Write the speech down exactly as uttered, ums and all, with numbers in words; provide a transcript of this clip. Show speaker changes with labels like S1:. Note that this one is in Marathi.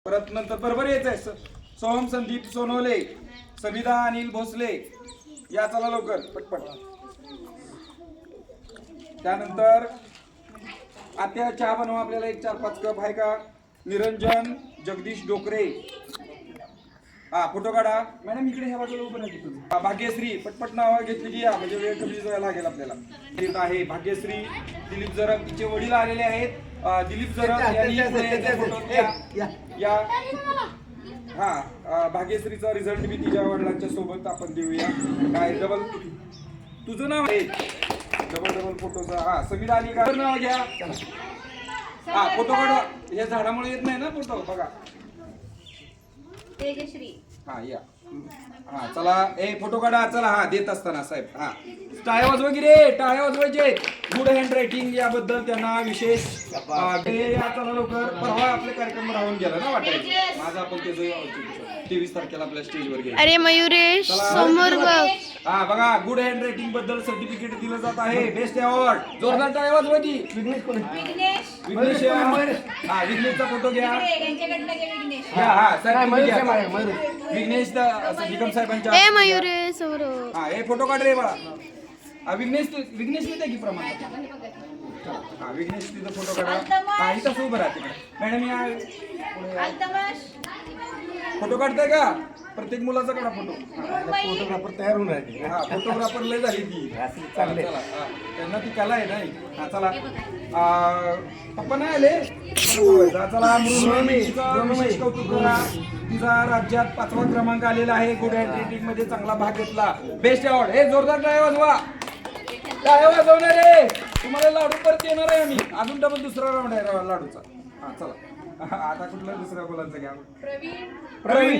S1: परत नंतर बरोबर यायचंय. सोहम संदीप सोनवले, सविता अनिल भोसले, या चला लवकर पटपट. त्यानंतर आत्या चहा बनवा आपल्याला एक चार पाच कप आहे का. निरंजन जगदीश डोकरे, हा फोटो काढा. मॅडम इकडे ह्या बाजूला उभं नाही तुम्ही. भाग्यश्री पटपट नाव घेतली की या, म्हणजे वेळ कमी जायला लागेल आपल्याला. येत आहे भाग्यश्री दिलीप जरग, तिचे वडील आलेले आहेत. दिलीप जरग यांनी या. हा भाग्यश्रीचा रिझल्ट बी तिच्या वडिलांच्या सोबत आपण देऊया. काय डबल तुझं नाव आहे, डबल डबल फोटोचा. हा समीरा अली का नाव घ्या. हा फोटो काढा. या झाडामुळे येत नाही ना फोटो. बघा
S2: तेजश्री,
S1: हा या. हा चला ए फोटो काढा. चला हा देत असताना साहेब हा टाळ्या वाजवा की रे, टाळ्या वाजवायचे. गुड हँड रायटिंग याबद्दल त्यांना विशेष या. चला लवकर. परवा आपले कार्यक्रम राहून गेला ना वाटायचं माझा. आपण ते तेवीस तारखेला आपल्या स्टेजवर गेलो.
S3: अरे मयुरेश समोर बघ.
S1: हा बघा गुड हँड रायटिंग बद्दल सर्टिफिकेट दिलं जात आहे. Best award. जोरदार टाळ्या वाजवायची. विघ्नेश कोण?
S2: विघ्नेश
S1: विघ्नेश हा विघ्नेशचा फोटो घ्या.
S2: यांच्याकडनं घे विघ्नेश.
S1: हा हा सर विघ्नेश निकम साहेबांच्या.
S3: ए मयुरेश समोर.
S1: हा हे फोटो काढ रे बाळा. हा विघ्नेश विघ्नेश येते की प्रमाण. हा विघ्नेश तिथं फोटो काढा. हा इथं उभं राहा तिकडे. मॅडम या
S2: अल्तमश,
S1: फोटो काढताय का. प्रत्येक मुलाचा काढा फोटो.
S4: फोटोग्राफर तयार होऊन राहिले.
S1: हा फोटोग्राफर लय झाली ती.
S4: चांगले.
S1: चला हा, त्यांना ती कला आहे नाही. हा चला पप्पा नाही आले. चला मृण्मयीचं विशेष कौतुक करा. तिचा राज्यात पाचवा क्रमांक आलेला आहे. गुड हँड रायटिंग मध्ये चांगला भाग घेतला. Best award. हे जोरदार टाळ्या वाजवा. टाळ्या वाजवणार रे. तुम्हाला लाडू परत येणार आहे आम्ही. अजून डबल दुसरा राऊंड आहे लाडूचा. हा चला आता कुठला दुसऱ्या मुलांचा घ्या.
S2: प्रवीण
S1: प्रवीण